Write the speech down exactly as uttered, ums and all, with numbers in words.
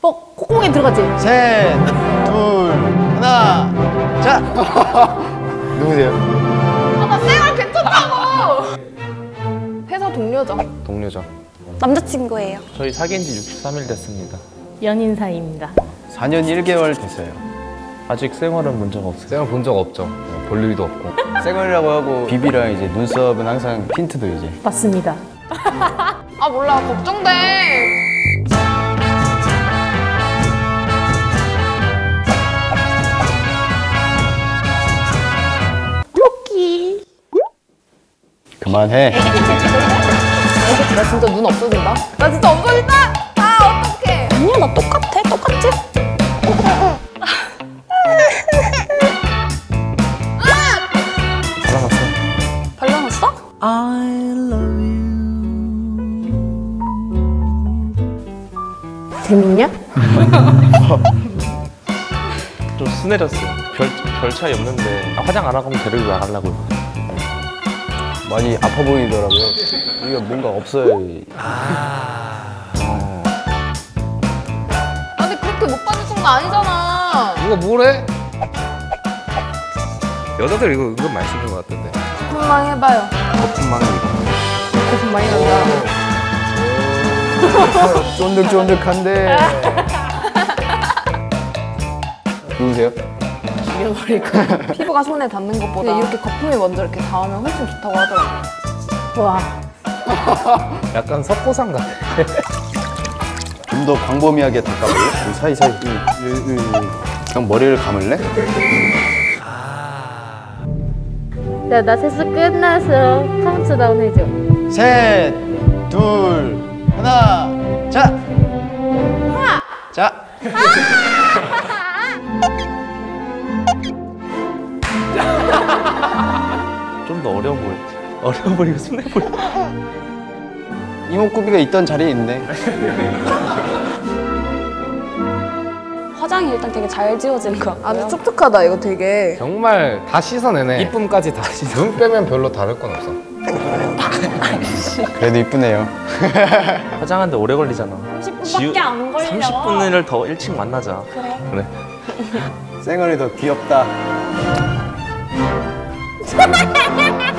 어, 콧구멍에 들어갔지? 셋, 둘, 하나, 자! 누구세요? 아, 나 쌩얼 괜찮다고! 회사 동료죠. 동료죠. 남자친구예요. 저희 사귄 지 육십삼 일 됐습니다. 연인 사이입니다. 사 년 일 개월 됐어요. 아직 생활은 문제가 없어요. 생활 본 적 없죠. 볼 일도 없고. 쌩얼이라고 하고 비비랑 이제 눈썹은 항상 틴트도 이제. 맞습니다. 아 몰라 걱정돼. 로키. 그만해. 나 진짜 눈 없어진다? 나 진짜 없어진다! 아, 어떡해! 아니야 나 똑같아 똑같지? 발라놨어요. 발라놨어? 재밌냐? 좀 순해졌어요. 별, 별 차이 없는데 아, 화장 안 하고 데리고 나가려고요. 많이 아파 보이더라고요. 이게 뭔가 없어요. 아, 근데 그렇게 못 받을 정도 아니잖아. 누가 뭐래? 여자들 이거 은근 많이 쓰는 것 같던데. 거품망 해봐요. 거품망이. 거품 많이 난다. 쫀득쫀득한데. 누구세요? 죽여버릴 거야. 피부가 손에 닿는 것보다 이렇게 거품이 먼저 이렇게 닿으면 훨씬 좋다고 하더라고요. 와. 약간 석고상 같아. 좀 더 광범위하게 닦아볼래? 이 사이사이. 이, 이, 이, 이. 그냥 머리를 감을래? 자, 나 세수 끝나서 카운트다운 해줘. 셋, 둘, 하나, 자! 하나! 자! 좀 더 어려워 보였지. 어려워 보이고 순해 보여. 이목구비가 있던 자리에 있네. 화장이 일단 되게 잘 지워지는 것 아, 같고요. 근데 촉촉하다, 이거 되게. 정말 다 씻어내네. 이쁨까지 다 씻어. 눈 빼면 별로 다를 건 없어. 그래도 이쁘네요. 화장하는데 오래 걸리잖아. 삼십 분밖에 안 걸려. 삼십 분을 더 일찍 만나자. 그래. 그래. 쌩얼이 더 귀엽다.